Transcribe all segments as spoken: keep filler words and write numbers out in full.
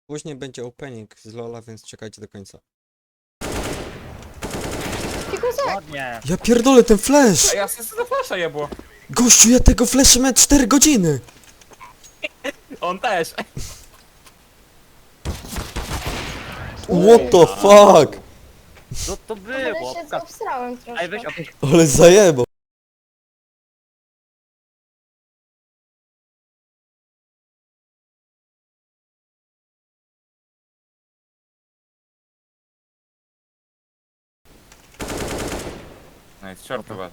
Później będzie opening z Lola, więc czekajcie do końca. Fikusek! Ładnie. Ja pierdolę ten flash! A ja sobie za flasha jebło. Gościu, ja tego flasha miałem cztery godziny! On też. What the fuck? Co to Ale było? się obsrałem troszkę. Ej, weź opuść. Ale zajebo. Nice, short chyba.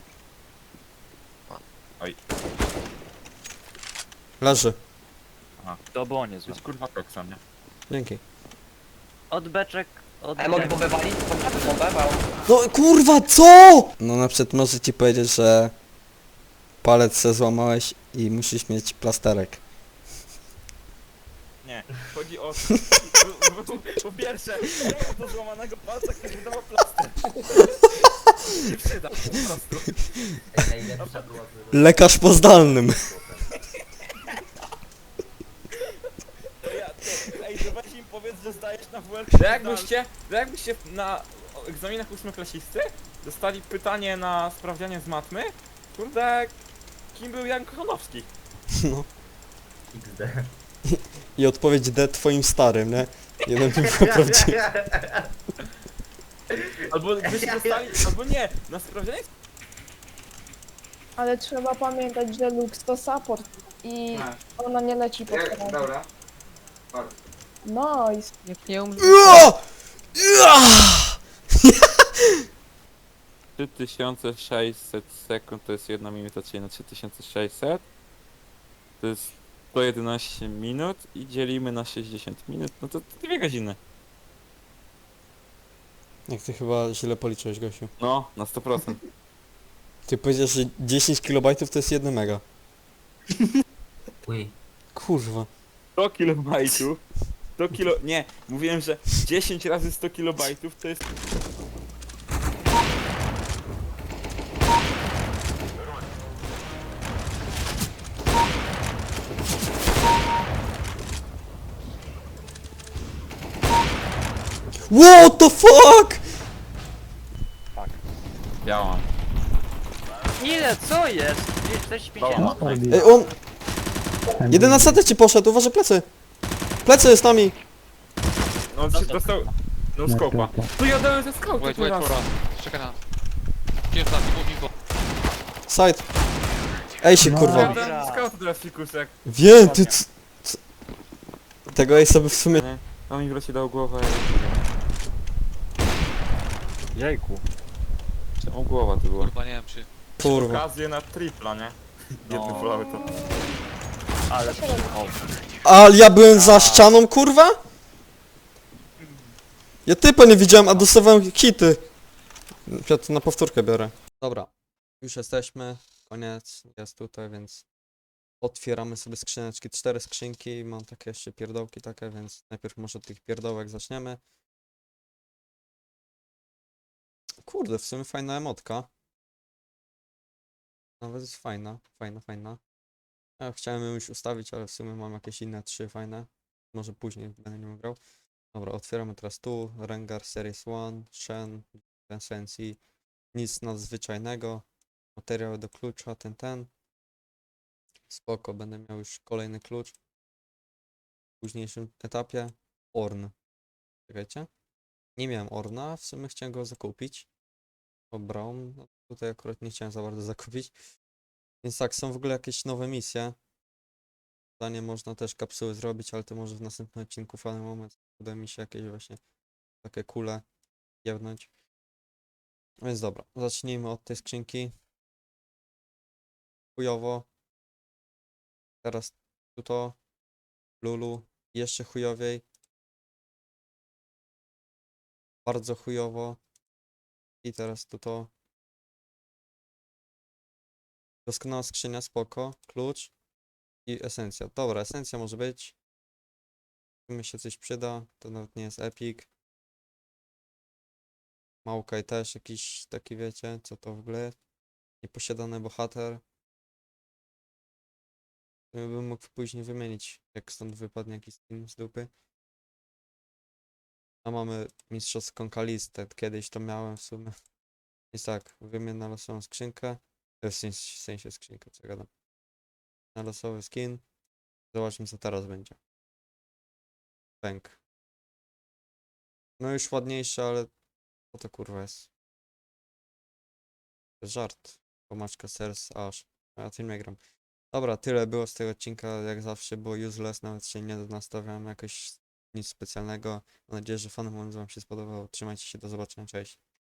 Leży. To było To niezłe. jest kurwa koksa, nie? Dzięki. Od beczek, od A ja mogę bombę walić? Mogę bombę walą. No kurwa, co?! No na przykład może ci powiedzieć, że palec se złamałeś i musisz mieć plasterek. Nie. Chodzi o... Po- po- Po pierwsze, nie ma do złamanego palca, który wydawał plaster. Nie przyda, po prostu. Ej, najlepsza była Lekarz po zdalnym. To ja, to, ej, to weź im powiedz, że zdajesz na W L. To jakbyście, to jakbyście na egzaminach ósmoklasisty dostali pytanie na sprawdzianie z matmy, kurde, kim był Jan Kochanowski? No. X D. I odpowiedź D twoim starym, nie? Jeden tylko prawdziwy. Albo byście dostali, albo nie, na sprawdzianie... Ale trzeba pamiętać, że Lux to support i ona nie leci po terenie. Dobra. Nice. Jak nie umrze. Ua! Ua! trzy tysiące sześćset sekund to jest jedna minuta, czyli na trzy tysiące sześćset. To jest sto jedenaście minut i dzielimy na sześćdziesiąt minut, no to dwie godziny. Jak ty chyba źle policzyłeś, Gosiu. No, na sto procent. Ty powiedziałeś, że dziesięć kilobajtów to jest jeden mega. Uj. Kurwa. sto kilobajtów. sto kilo... Nie, mówiłem, że dziesięć razy sto kilobajtów to jest... What the fuck?! Ja mam. Ile? Co jest? czterdzieści pięć. Ej, on... Jeden na setę ci poszedł, uważaj plecy! Plecy z nami! No on się dostał... No skopa. Tu ja dałem ze skałki Wait, wait for us. Czekaj na. Pierwsza, mów info. Side. Ej się Ja kurwa. dałem ze skałki teraz fikusek. Wiem, ty c... c... Tego jej sobie w sumie... Nie, a mi wreszcie dał głowę. Jejku. O głowa to była. Kurwa, nie wiem czy... Kurwa. Okazję na tripla, nie? Jedny No. wolały to. Ale o, Ale ja byłem za ścianą, kurwa? Ja typa nie widziałem, a dostawałem hity. Ja to na powtórkę biorę. Dobra, już jesteśmy. Koniec, jest tutaj, więc otwieramy sobie skrzyneczki. Cztery skrzynki, mam takie jeszcze pierdołki takie, więc najpierw może od tych pierdołek zaczniemy. Kurde, w sumie fajna emotka. Nawet jest fajna, fajna, fajna. Ja chciałem ją już ustawić, ale w sumie mam jakieś inne trzy fajne. Może później będę nią grał. Dobra, otwieramy teraz tu. Rengar Series jeden, Shen, Sensi. Nic nadzwyczajnego. Materiały do klucza, ten, ten. Spoko, będę miał już kolejny klucz. W późniejszym etapie. Orn. Czekajcie. Nie miałem Orna, w sumie chciałem go zakupić. O, Brown. No, tutaj akurat nie chciałem za bardzo zakupić. Więc tak, są w ogóle jakieś nowe misje. Zdanie można też kapsuły zrobić, ale to może w następnym odcinku w danym moment uda mi się jakieś właśnie takie kule jebnąć. Więc dobra, zacznijmy od tej skrzynki. Chujowo. Teraz tu to. Lulu. Jeszcze chujowiej. Bardzo chujowo. I teraz tu to. Doskonała skrzynia, spoko. Klucz. I esencja. Dobra, esencja może być. Tu mi się coś przyda. To nawet nie jest epic. Maokaj też jakiś taki, wiecie, co to w ogóle jest. Nieposiadany bohater. To bym mógł później wymienić, jak stąd wypadnie jakiś skin z dupy. A mamy mistrzowską kalistę. Kiedyś to miałem w sumie. Jest tak, wymienę na losową skrzynkę. e, W sensie, w sensie skrzynkę, co ja gadam. Na losowy skin. Zobaczmy co teraz będzie. Pęk. No już ładniejsze, ale co to kurwa jest? To jest żart. Pomaczka sers aż. A ja tym nie gram. Dobra, tyle było z tego odcinka. Jak zawsze było useless, nawet się nie nastawiałem jakoś nic specjalnego. Mam nadzieję, że fanom wam się spodobało. Trzymajcie się, do zobaczenia, cześć.